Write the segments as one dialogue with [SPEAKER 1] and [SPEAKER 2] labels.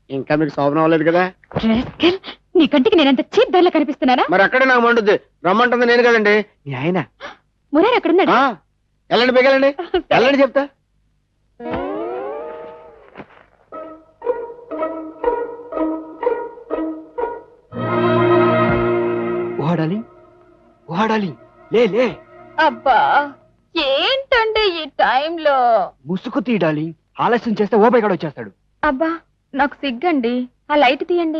[SPEAKER 1] ఇంకా మీకు శోభనం అవ్వలేదు కదా?
[SPEAKER 2] నీ కంటికి నేనంత చీప్ ధరలో కనిపిస్తున్నానా?
[SPEAKER 1] మరి అక్కడే నాకు మండుద్ది. రమ్మంటుంది నేను కదండి, మీ ఆయన.
[SPEAKER 2] మురారి అక్కడున్నాడు.
[SPEAKER 1] వెళ్ళండి, బేగలండి, వెళ్ళండి చెప్తా. ఓడాలి ఓడాలి, లే లే.
[SPEAKER 2] అబ్బా ఏంటండి ఈ టైంలో?
[SPEAKER 1] ముసుగు తీయాలి, ఆలస్యం చేస్తే ఓ బయట వచ్చేస్తాడు.
[SPEAKER 2] అబ్బా నాకు సిగ్గండి, ఆ లైట్ తీయండి.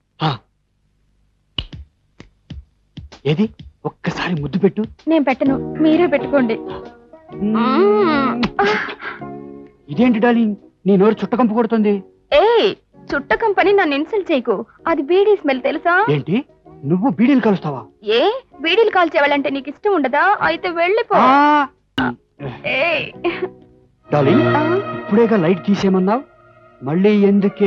[SPEAKER 1] ఏది ఒక్కసారి ముద్దు పెట్టు.
[SPEAKER 2] నేను పెట్టను, మీరే పెట్టుకోండి.
[SPEAKER 1] ఇదేంటి డార్లింగ్, నీ నోరు చుట్టకంపు కొడుతుంది.
[SPEAKER 2] ఏయ్ చుట్ట కంపెనీ నన్ను ఇన్సల్ట్ చేయకు, అది బీడీ స్మెల్ తెలుసా?
[SPEAKER 1] ఏంటి నువ్వు బీడీలు కలుస్తావా?
[SPEAKER 2] ఏ బీడీలు కాల్చేవాళ్ళంటే నీకు ఇష్టం ఉండదా? అయితే వెళ్ళిపో. ఏయ్
[SPEAKER 1] డార్లింగ్, ఇప్పుడేగా లైట్ తీసేయమన్నావు, మళ్ళీ ఎందుకే?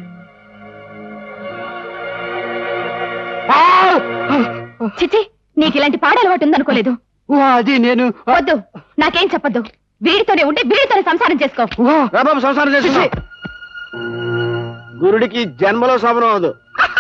[SPEAKER 2] చిచి, నీకు ఇలాంటి పాడ అలవాటు ఉందనుకోలేదు.
[SPEAKER 1] అది నేను
[SPEAKER 2] వద్దు, నాకేం చెప్పొద్దు. వీడితోనే ఉంటే వీడితోనే సంసారం చేసుకో.
[SPEAKER 1] బాబు సంసారం చేసి గురుడికి జన్మలో శోభనం అవదు.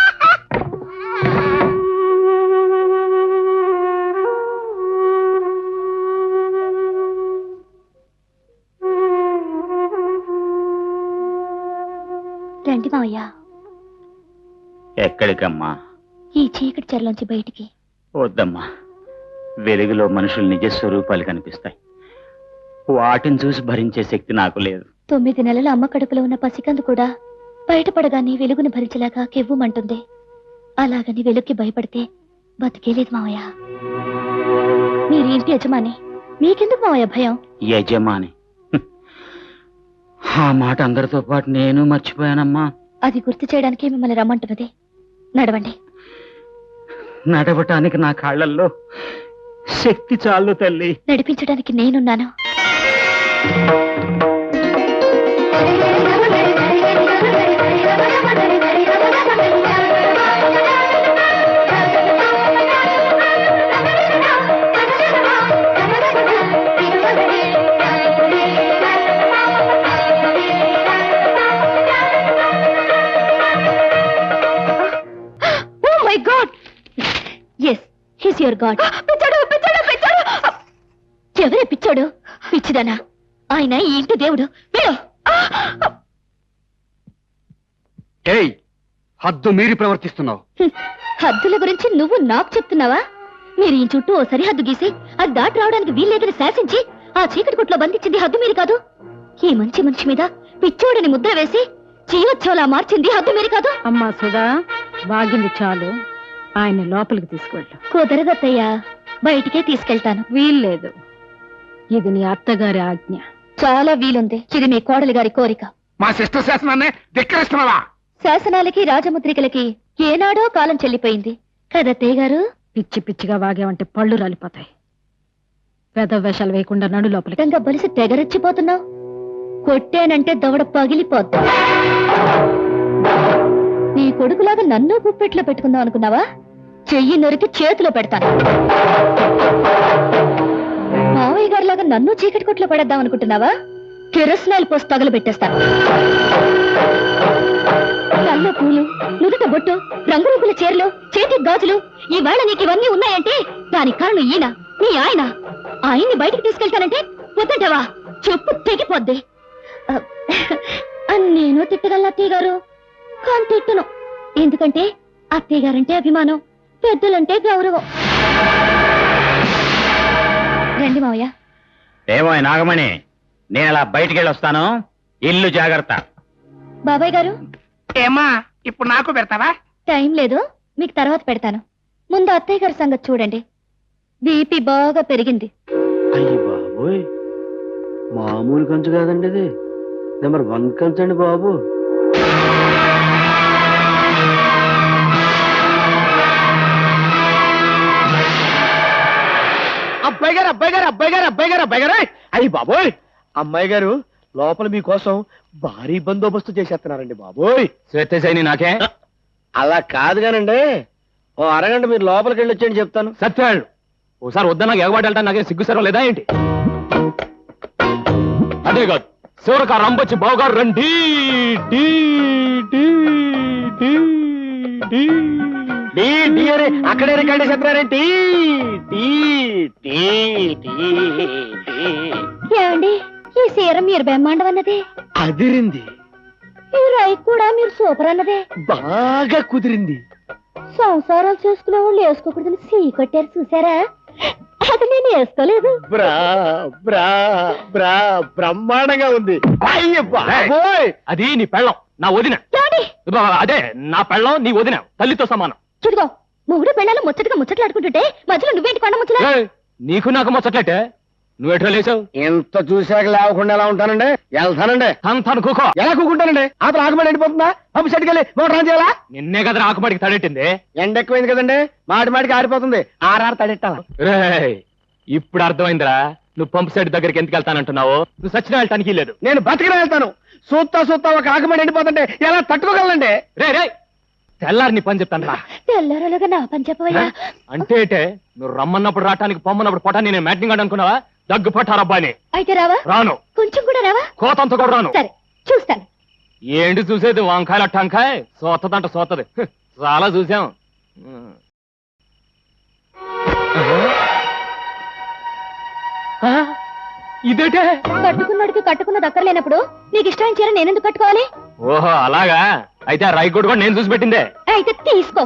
[SPEAKER 2] రండి మావయ్య.
[SPEAKER 3] ఎక్కడికమ్మా?
[SPEAKER 2] ఈ చీకటి చెరలోంచి బయటికి.
[SPEAKER 3] వద్దమ్మా, వెలుగులో మనుషుల నిజ స్వరూపాలు కనిపిస్తాయి. వాటిని చూసి భరించే శక్తి నాకు లేదు.
[SPEAKER 2] 9 నెలల అమ్మ కడుపులో ఉన్న పసికందు కూడా బయటపడగానే వెలుగును భరించలేక కెవ్వుమంటుంది. అలాగని వెలుగుకి భయపడితే బతికేలేదు మావయ్య. మీరు ఇంటి యజమాని, మీకెందుకు మావయ్య భయం?
[SPEAKER 3] యజమాని, ఆ మాట అందరితో పాటు నేను మర్చిపోయానమ్మా.
[SPEAKER 2] అది గుర్తు చేయడానికి మిమ్మల్ని రమ్మంటున్నది. నడవండి.
[SPEAKER 3] నడవటానికి నా కాళ్ళల్లో శక్తి చాలు తల్లి.
[SPEAKER 2] నడిపించడానికి నేనున్నాను. ఎవరే పిచ్చాడు? పిచ్చిదానా? ఆయన ఈ ఇంటి దేవుడు.
[SPEAKER 1] హద్దు మీరి ప్రవర్తిస్తున్నావు.
[SPEAKER 2] హద్దుల గురించి నువ్వు నాకు చెప్తున్నావా? మీరు ఈ చుట్టూ ఓ సరిహద్దు గీసి అది దాటి రావడానికి వీల్లేదని శాసించి ఆ చీకటి కొట్లో బంధించింది హద్దు మీరు కాదు. ఈ మంచి మనిషి మీద పిచ్చోడని ముద్ర వేసి జీవోత్సవలా మార్చింది హద్దు మీరు కాదు.
[SPEAKER 4] అమ్మా సుధా, బాగింది చాలు, ఆయన లోపలికి తీసుకెళ్ళు.
[SPEAKER 2] కుదరదత్తయ్యా, బయటికే తీసుకెళ్తాను.
[SPEAKER 4] వీల్లేదు, ఇది నీ అత్తగారి ఆజ్ఞ.
[SPEAKER 2] చాలా వీలుంది, ఇది మీ కోడలి గారి కోరిక.
[SPEAKER 1] మా శిష్ట శాసనాన్ని ధిక్కరిస్తున్నావా?
[SPEAKER 2] శాసనాలకి రాజముద్రికలకి ఏనాడో కాలం చెల్లిపోయింది కదత్తయ్య గారు.
[SPEAKER 4] పిచ్చి పిచ్చిగా వాగేవంటే పళ్ళు రాలిపోతాయి. పెద్ద వేషాలు వేయకుండా నడు లోపలికి.
[SPEAKER 2] ఇంకా బలిసి తెగరెచ్చిపోతున్నావు. కొట్టేనంటే దవడ పగిలిపోద్దు. నీ కొడుకులాగా నన్ను గుప్పెట్లో పెట్టుకుందాం అనుకున్నావా? చెయ్యి నొరికి చేతిలో పెడతాను. మావయ్య గారిలాగా నన్ను చీకటి కొట్లో పడేద్దాం అనుకుంటున్నావా? కిరసనాయిల్ పోసి తగలు పెట్టేస్తాను. కళ్ళ పూలు, నుదుట బొట్టు, రంగురంగుల చీరలు, చేతి గాజులు, ఈవేళ నీకు ఇవన్నీ ఉన్నాయంటే దానికి కారణం ఈయన, నీ ఆయన. ఆయన్ని బయటికి తీసుకెళ్తానంటే వద్దంటావా? చెప్పు తెగిపోద్ది. నేను తిట్టగలను అత్తయ్య గారు, కానీ తిట్టను. ఎందుకంటే అత్తయ్య గారంటే అభిమానం, పెద్దలంటే గౌరవం. రండి మావయ్య.
[SPEAKER 3] ఏమో నాగమణి, నేను అలా బయటికి వెళ్ళొస్తాను, ఇల్లు జాగ్రత్త.
[SPEAKER 2] బాబాయ్ గారు.
[SPEAKER 5] ఏమా ఇప్పుడు నాకు పెడతావా?
[SPEAKER 2] టైం లేదు, మీకు తర్వాత పెడతాను. ముందు అత్తయ్య గారి సంగతి చూడండి. బీపీ బాగా పెరిగింది.
[SPEAKER 1] అయ్యి బాబోయ్, మామూలు కంచు కాదండి, ఇది నెంబర్ 1 కంచు అండి బాబు. అబ్బాయి గారు, అబ్బాయి గారు, అబ్బాయి గారు, అబ్బాయి గారు, అబ్బాయి గారు, అయ్యి బాబోయ్, అమ్మాయి గారు లోపల మీకోసం భారీ బందోబస్తు చేసేస్తున్నారండి బాబోయ్.
[SPEAKER 3] శ్వేతశైని నాకే?
[SPEAKER 1] అలా కాదు కానండి, ఓ అరగంట మీరు లోపలికి వెళ్ళి వచ్చేయండి చెప్తాను.
[SPEAKER 3] సత్యాళ్ళు ఓసారి వద్ద నాకు ఎగబాటు వెళ్తాను, నాకేం సిగ్గు సర్వం లేదా ఏంటి? అదే కాదు, శివరక రంపొచ్చి బావగారు రండి.
[SPEAKER 1] టీ టీ టీ అని అక్కడే రికార్డ్ చేస్తున్నారేంటి టీ టీ టీ టీ
[SPEAKER 2] ఏమండి ఈ సీర మీరు బెమ్మాండం అన్నదే,
[SPEAKER 1] అదిరింది,
[SPEAKER 2] ఈ రై కూడా మీరు సూపర్ అన్నదే.
[SPEAKER 1] బాగా కుదిరింది.
[SPEAKER 2] సంసారాలు చేసుకునే వాళ్ళు వేసుకోకూడదని సీ కొట్టారు చూసారా, అది నేను వేసుకోలేదు.
[SPEAKER 1] బ్రా బ్రా బ్రా బ్రహ్మాండంగా ఉంది. అయ్య బాబోయ్,
[SPEAKER 3] అది నీ పెళ్ళం, నా వదిన.
[SPEAKER 2] ఏమండి?
[SPEAKER 3] అదే నా పెళ్ళం, నీ వదిన, తల్లితో సమానం.
[SPEAKER 2] చూడుకో, మొగుడు పెళ్ళాలు ముచ్చటగా ముచ్చట్లాడుకుంటుంటే మధ్యలో నువ్వేంటి కొండ ముచ్చలా?
[SPEAKER 3] ఏయ్, నీకు నాకు ముచ్చట్లేటే, నువ్వెట్లా లేచావు?
[SPEAKER 1] ఎంత చూశాక లేవకుండా ఎలా ఉంటానండి? వెళ్తానండి.
[SPEAKER 3] అంతాను కూకో.
[SPEAKER 1] ఎలా కూకుంటానండి? అతను ఆకుమడి ఎండిపోతుందా? పంపు సెట్కి వెళ్ళి మోటార్ ఆన్ చేయాలా?
[SPEAKER 3] నిన్నే కదా ఆకుమాడికి తడెట్టింది.
[SPEAKER 1] ఎండ ఎక్కువైంది కదండి, మాటి మాటికి ఆరిపోతుంది. ఆర్ఆర్ తడెట్టాలా?
[SPEAKER 3] రేయ్, ఇప్పుడు అర్థమైందిరా నువ్వు పంపు సెట్ దగ్గరికి ఎందుకు వెళ్తానంటున్నావు. నువ్వు సచిన వెళ్ళటానికి లేదు.
[SPEAKER 1] నేను బతికిన వెళ్తాను. సూత్తా సూత్తా ఒక ఆకుమడి ఎండిపోతుంటే ఎలా తట్టుకోగలండి?
[SPEAKER 3] రే రే, తెల్లారి నీ పని చెప్తాను రా.
[SPEAKER 2] తెల్లరలుగా నా పని చెప్పవయ్యా.
[SPEAKER 3] అంటే నువ్వు రమ్మన్నప్పుడు రావటానికి పొమ్మన్నప్పుడు పొటాన్ని నేను మ్యాటింగ్ అనుకున్నావా? దగ్గు పట్టారబ్బాని.
[SPEAKER 2] అయితే రావా?
[SPEAKER 3] రాను.
[SPEAKER 2] కొంచెం కూడా రావా?
[SPEAKER 3] కోతంత కూడా రాను.
[SPEAKER 2] సరే చూస్తాను.
[SPEAKER 3] ఏంటి చూసేది? వంకాయల టంకాయ సోతదంట సోతది. చాలా చూసాం. ఇదేటే?
[SPEAKER 2] కట్టుకున్నాడికి కట్టుకున్న దక్కర్లేనప్పుడు నీకు ఇష్టమైన చీర నేనెందుకు కట్టుకోవాలి?
[SPEAKER 3] ఓహో అలాగా, అయితే ఆ రైకోడ్ కూడా నేను చూసి పెట్టిందే.
[SPEAKER 2] అయితే తీసుకో.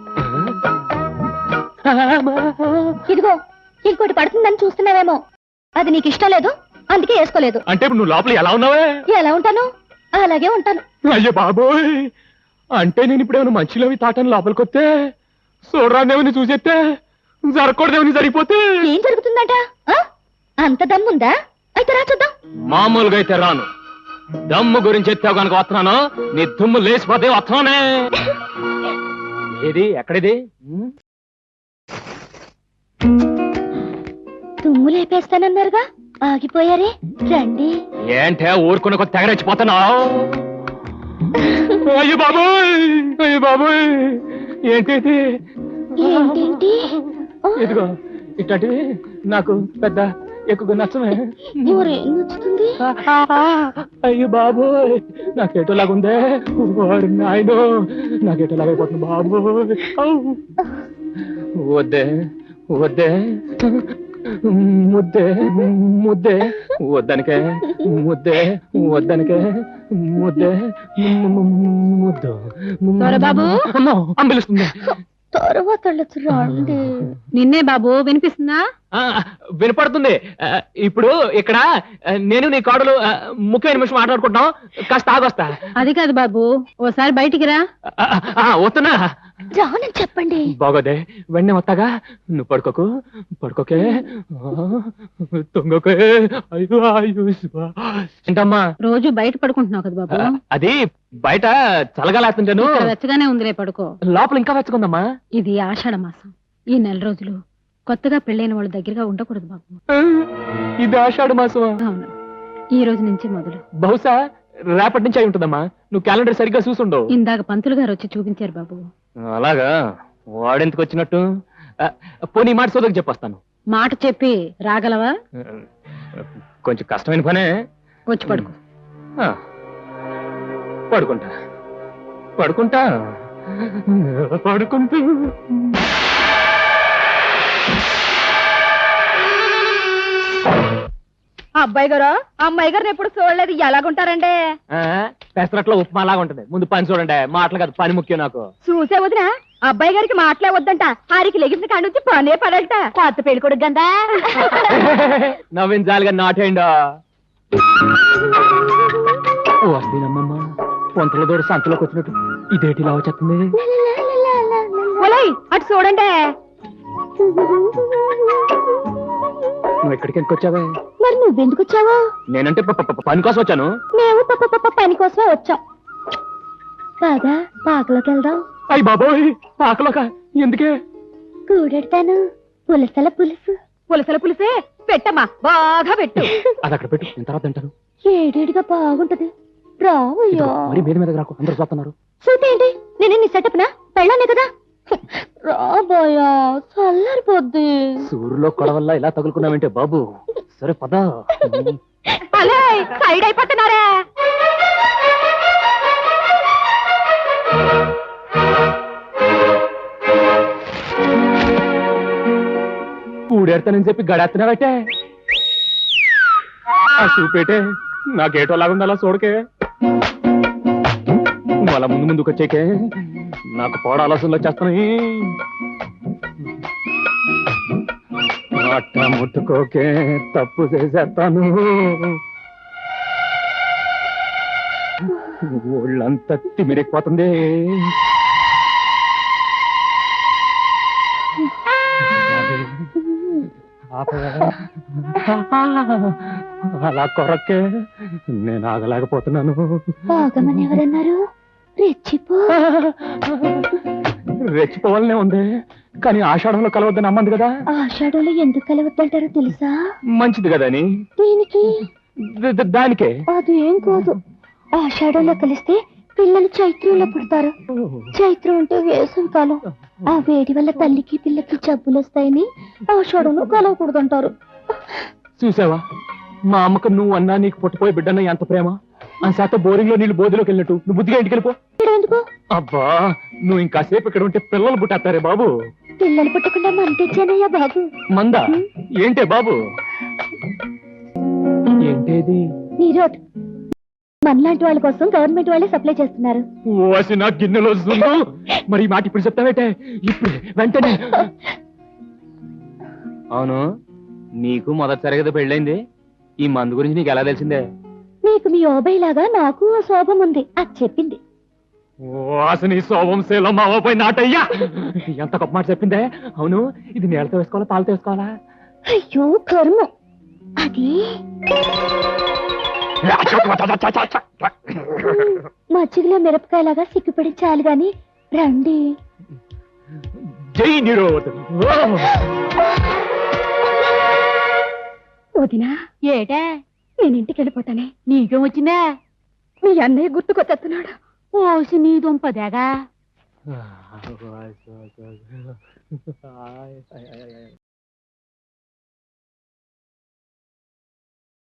[SPEAKER 2] ఇదిగో, ఇంకోటి పడుతుందని చూస్తున్నావేమో, అది నీకు ఇష్టం లేదు అందుకే వేసుకోలేదు.
[SPEAKER 3] అంటే ఇప్పుడు నువ్వు లోపల ఎలా ఉన్నావే?
[SPEAKER 2] ఎలా ఉంటాను అలాగే ఉంటాను.
[SPEAKER 3] అయ్యో బాబోయ్, అంటే నేను ఇప్పుడేమైనా మంచిలోవి తాటని లోపలికొస్తే చూడరాదేమని చూసేస్తే జరగకూడదేమని జరిగిపోతే
[SPEAKER 2] ఏం జరుగుతుందట? ఆ? అంత దమ్ముందా? అయితే రా చూద్దాం.
[SPEAKER 3] మామూలుగా అయితే రాను. దమ్ము గురించి ఎత్తావు కనుక వస్తున్నాను. నీ దుమ్ము లేచిపోతే వస్తున్నానే. ఏది ఎక్కడిది?
[SPEAKER 2] తుమ్ము లేపేస్తానన్నారుగా, ఆగిపోయారే. రండి.
[SPEAKER 3] ఏంటే ఊరుకున్న కొద్ది తెగరెచ్చిపోతున్నావు? అయ్యో బాబోయ్, అయ్యో బాబోయ్, ఏంటి
[SPEAKER 2] ఏంటేంటి? ఆ,
[SPEAKER 3] ఇదిగో ఇట్లాంటివి నాకు పెద్ద ఎక్కువ నచ్చమే.
[SPEAKER 2] ఊరేం నచ్చుతుంది?
[SPEAKER 3] అయ్యో బాబోయ్, నాకేటోలాగుందే. వాడు నాయనో, నాకేటోలాగైపోతుంది బాబోయ్. ఔ. వద్దే వద్దే, ముద్దే ముద్దే వద్దనికే, ముద్దే వద్దనికే, ముద్దే ముద్దు.
[SPEAKER 4] బాబు
[SPEAKER 3] అమ్మో, అంబిలుస్తుంది.
[SPEAKER 2] తర్వాత వెళ్ళొచ్చు, రండి.
[SPEAKER 4] నిన్నే బాబు, వినిపిస్తుందా?
[SPEAKER 3] వినపడుతుంది. ఇప్పుడు ఇక్కడ నేను నీ కోడలు ముఖ్యమైన నిమిషం మాట్లాడుకుంటాం. కాస్త ఆగొస్తా.
[SPEAKER 4] అది కాదు బాబు, ఓసారి బయటికి రా.
[SPEAKER 3] వస్తున్నా.
[SPEAKER 2] రానని చెప్పండి.
[SPEAKER 3] బాగోదే, వెంటనే వస్తాగా. నువ్వు పడుకోకు, పడుకోకే, తొంగకే. అయ్యో అయ్యో. ఏంటమ్మా
[SPEAKER 4] రోజు బయట పడుకుంటున్నావు కదా బాబు?
[SPEAKER 3] అది బయట చల్లగాలేస్తుంటాను.
[SPEAKER 4] ఇక్కడ వెచ్చగానే ఉందిలే, పడుకో.
[SPEAKER 3] లోపల ఇంకా వెచ్చకుందమ్మా.
[SPEAKER 4] ఇది ఆషాఢ మాసం. ఈ నెల రోజులు కొత్తగా పెళ్ళైన వాళ్ళ దగ్గరగా ఉండకూడదు బాబు.
[SPEAKER 3] ఇది ఆషాఢ మాసమా?
[SPEAKER 4] అవును, ఈ రోజు నుంచి మొదలు.
[SPEAKER 3] బహుశా రేపటి నుంచి అయి ఉంటుందమ్మా. నువ్వు క్యాలెండర్ సరిగ్గా చూసుండవు.
[SPEAKER 4] ఇందాక పంతులు గారు వచ్చి చూపించారు బాబు.
[SPEAKER 3] అలాగా, వాడెందుకు వచ్చినట్టు? పోనీ మాట సోదరికి చెప్పొస్తాను.
[SPEAKER 4] మాట చెప్పి రాగలవా?
[SPEAKER 3] కొంచెం కష్టమైన పనే.
[SPEAKER 4] వచ్చి పడుకో.
[SPEAKER 3] పడుకుంటా పడుకుంటా పడుకుంటూ.
[SPEAKER 2] అబ్బాయి గారు అమ్మాయి గారిని ఎప్పుడు చూడలేదు, ఎలాగుంటారండి?
[SPEAKER 3] పెసరట్లో ఉప్మా లాగా ఉంటుంది. ముందు పని చూడండి, మాటలు కాదు, పని ముఖ్యం నాకు.
[SPEAKER 2] చూసే వదిన, అబ్బాయి గారికి మాటలే వద్దంట, ఆరికి లెగిసిన కాడి నుంచి పనే పడట. కొత్త పెళ్లి కొడుకు గందా.
[SPEAKER 3] నవ్వించాలిగా నాటేయండా. వస్తేనమ్మమ్మ, పొంతల దూడ సంతలోకి వచ్చినట్టు ఇదేటి ఇలా వచ్చేస్తుంది.
[SPEAKER 2] అటు చూడండి.
[SPEAKER 3] నువ్వు ఎక్కడికి ఎందుకు వచ్చావే?
[SPEAKER 2] మరి నువ్వెందుకు వచ్చావు?
[SPEAKER 3] నేనంటే పని కోసం వచ్చాను.
[SPEAKER 2] మేము పని కోసమే వచ్చాం. బాగా పాకలోకి వెళ్దాం.
[SPEAKER 3] అయ్యి బాబోయ్, పాకలోక ఎందుకే?
[SPEAKER 2] కూడెడతాను. పులసల పులుసు. పులసల పులుసే పెట్టమ్మా, బాగా పెట్టు.
[SPEAKER 3] అది అక్కడ పెట్టు, నేను తర్వాత తింటాను.
[SPEAKER 2] ఏడేడిగా బాగుంటది. రావయ్యా.
[SPEAKER 3] మరి మీద మీద రాకు, అందరూ చూస్తున్నారు.
[SPEAKER 2] చూతేంటి, నేను నీ సెటప్ నా పెళ్ళానే కదా. రాబోయా, చల్లారిపోద్ది.
[SPEAKER 3] సూర్యులో కొడవల్ల ఇలా తగులుకున్నావంటే బాబు. సరే పద.
[SPEAKER 2] అలే సైడ్ అయిపోతున్నారా?
[SPEAKER 1] చూడేడతానని చెప్పి గడేస్తున్నావటే ఆ చూపేటే నాకేటో లాగుంది అలా చూడకే నువ్వు అలా ముందు ముందుకు వచ్చేకే నాకు పోడ ఆలోచనలు వచ్చేస్తున్నాయి అట్ట ముట్టుకోకే తప్పు చేసేస్తాను ఒళ్ళంతా తిమిరెక్కిపోతుంది అలా కొరకే నేను ఆగలేకపోతున్నాను
[SPEAKER 2] ఆగమని ఎవరన్నారు? రెచ్చిపో.
[SPEAKER 1] రెచ్చిపోవాలనే ఉంది కానీ ఆషాఢంలో కలవద్దని అమ్మంది కదా
[SPEAKER 2] ఆషాఢంలో ఎందుకు కలవద్దంటారో తెలుసా?
[SPEAKER 1] మంచిది కదా అని
[SPEAKER 2] దీనికి
[SPEAKER 1] దానికే
[SPEAKER 2] అదేం కాదు. ఆషాఢంలో కలిస్తే పిల్లలు చైత్రంలో పుడతారు. చైత్రం అంటే వేసవి కాలం. ఆ వేడి వల్ల తల్లికి పిల్లకి జబ్బులు వస్తాయని ఆషాఢంలో కలవకూడదంటారు.
[SPEAKER 1] చూసావా మా అమ్మకు నువ్వు అన్నా నీకు పుట్టిపోయి బిడ్డన్న ఎంత ప్రేమ ఆ శాతం బోరింగ్ లో నీళ్ళు బోధిలోకి వెళ్ళినట్టు నువ్వు బుద్ధిగా ఇంటికి వెళ్ళిపో.
[SPEAKER 2] ఎందుకు?
[SPEAKER 1] అబ్బా నువ్వు ఇంకాసేపు ఇక్కడ ఉంటే పిల్లలు పుట్టేస్తారే బాబు.
[SPEAKER 2] పిల్లలు పుట్టకుండా మన తెచ్చానయ్యా బాబు.
[SPEAKER 1] మందా ఏంటే బాబు? ఏంటేది?
[SPEAKER 2] నీరోట్ మనలాంటి వాళ్ళ కోసం గవర్నమెంట్ వాళ్ళే సప్లై చేస్తున్నారు.
[SPEAKER 1] ఓసి నా గిన్నెలో వస్తుందో మరి ఈ మాట ఇప్పుడు చెప్తావేటే ఇప్పుడు వెంటనే. అవును నీకు మొదటిసారి కదా పెళ్ళైంది ఈ మందు గురించి నీకు ఎలా తెలిసిందే?
[SPEAKER 2] మీకు మీ ఓబై లాగా నాకు ఓ శోభం ఉంది అది చెప్పింది.
[SPEAKER 1] నీ శోభం శీలం మావపోయి నాటయ్యా ఎంత గొప్ప మాట చెప్పిందే. అవును ఇది నీళ్ళతో వేసుకోవాలా పాలతో వేసుకోవాలా?
[SPEAKER 2] అయ్యో కర్మ అది మజ్జిగలో మిరపకాయలాగా సిగ్గుపడి చాలు గాని రండి.
[SPEAKER 1] జై నిరోధ్.
[SPEAKER 2] వదినా
[SPEAKER 4] ఏటే
[SPEAKER 2] నేను ఇంటికి వెళ్ళిపోతానే.
[SPEAKER 4] నీకేం వచ్చిందా?
[SPEAKER 2] మీ అన్నయ్య గుర్తుకొచ్చేస్తున్నాడు.
[SPEAKER 4] ఓసి నీ దుంపదేగా.